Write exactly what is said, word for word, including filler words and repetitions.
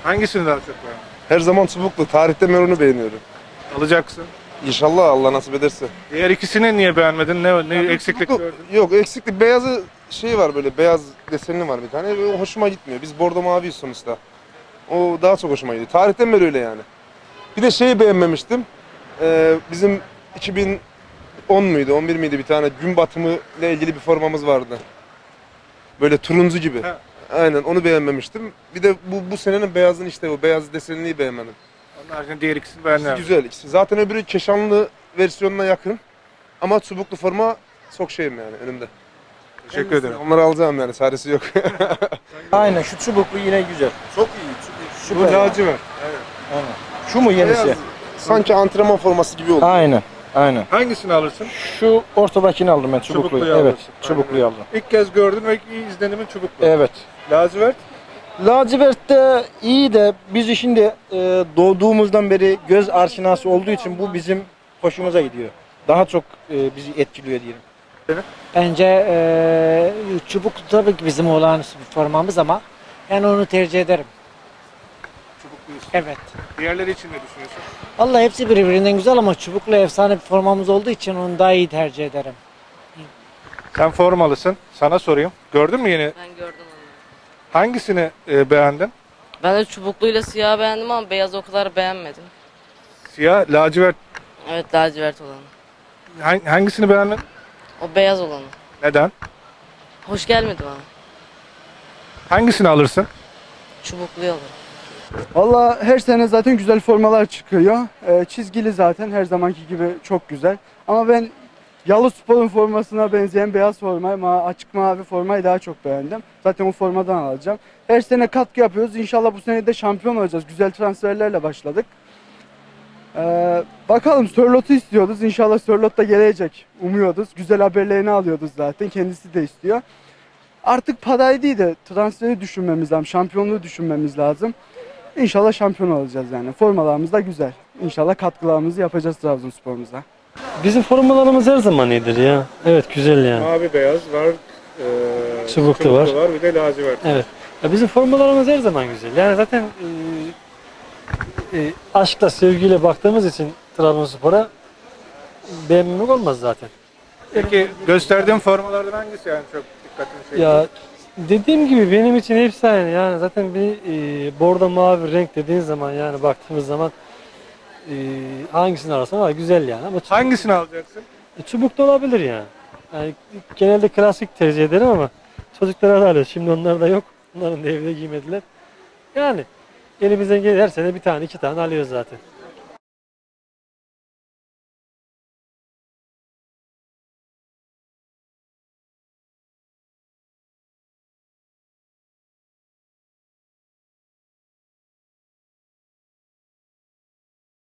Hangisini daha çok beğendin? Her zaman çubuklu. Tarihten ben onu beğeniyorum. Alacaksın. İnşallah Allah nasip ederse. Diğer ikisini niye beğenmedin? Ne, ne eksiklik Çubuklu- gördün? Yok eksiklik. Beyazı şey var böyle. Beyaz desenli var bir tane. O hoşuma gitmiyor. Biz bordo maviyiz sonuçta. O daha çok hoşuma gidiyor. Tarihten beri öyle yani. Bir de şeyi beğenmemiştim. Ee, bizim iki bin on muydu, on bir miydi bir tane gün batımı ile ilgili bir formamız vardı. Böyle turuncu gibi. Ha. Aynen onu beğenmemiştim. Bir de bu bu senenin beyazın işte o beyaz desenliği beğenmedim. Onun haricinde diğer ikisini beğendin. İkisi güzel ikisi. Zaten öbürü keşanlı versiyonuna yakın. Ama çubuklu forma çok şeyim yani önümde. Teşekkür ederim. Onları alacağım yani çaresi yok. Aynen şu çubuklu yine güzel. Çok iyi. Bu lacivert. Aynen. Şu mu yenisi? Beyaz, sanki antrenman forması gibi oldu. Aynen. Aynen. Hangisini alırsın? Şu ortadakini aldım ben çubukluyu. Çubukluyu Evet, alırsın. çubukluyu Aynen. aldım. İlk kez gördün ve iyi izlenimin çubuklu. Evet. Lacivert. Lacivert de iyi de biz şimdi e, doğduğumuzdan beri göz aşinası olduğu için bu bizim hoşumuza gidiyor. Daha çok e, bizi etkiliyor diyelim. Bence eee çubuk tabii ki bizim olağanüstü bir formamız ama ben onu tercih ederim. Çubukluyuz. Evet. Diğerleri için ne düşünüyorsun? Vallahi hepsi birbirinden güzel ama çubuklu efsane bir formamız olduğu için onu daha iyi tercih ederim. Sen formalısın. Sana sorayım. Gördün mü yeni? Ben gördüm onu. Hangisini e, beğendin? Ben de çubukluyla siyah beğendim ama beyaz o kadar beğenmedim. Siyah, lacivert. Evet, lacivert olanı. Hang- Hangisini beğendin? O beyaz olanı. Neden? Hoş gelmedi bana. Hangisini alırsın? Çubukluyu alırım. Valla her sene zaten güzel formalar çıkıyor. Ee, çizgili zaten her zamanki gibi çok güzel. Ama ben Yalıspor'un formasına benzeyen beyaz formayı, ma açık mavi formayı daha çok beğendim. Zaten o formadan alacağım. Her sene katkı yapıyoruz. İnşallah bu sene de şampiyon olacağız. Güzel transferlerle başladık. Ee, bakalım Sörlot'u istiyoruz. İnşallah Sörlot da gelecek. Umuyoruz. Güzel haberlerini alıyoruz zaten. Kendisi de istiyor. Artık parayı değil de transferi düşünmemiz lazım. Şampiyonluğu düşünmemiz lazım. İnşallah şampiyon olacağız yani. Formalarımız da güzel. İnşallah katkılarımızı yapacağız Trabzonspor'umuza. Bizim formalarımız her zaman iyidir ya. Evet güzel yani. Mavi beyaz var. E, Çubuklu var. var. Bir de lacivert. Evet. Ya bizim formalarımız her zaman güzel. Yani zaten e, e, aşkla sevgiyle baktığımız için Trabzonspor'a beğenmemek olmaz zaten. Peki gösterdiğin formalardan hangisi yani çok dikkatini çekti? Ya dediğim gibi benim için hepsi aynı. Yani zaten bir e, bordo mavi renk dediğin zaman yani baktığımız zaman e, hangisini ararsan var güzel yani. Ama çubuk, Hangisini alacaksın? çubuk da olabilir yani. Yani genelde klasik tercih ederim ama çocuklara da alıyoruz. Şimdi onlar da yok. Onların da evde giymediler. Yani elimizden gelir her sene bir tane iki tane alıyoruz zaten.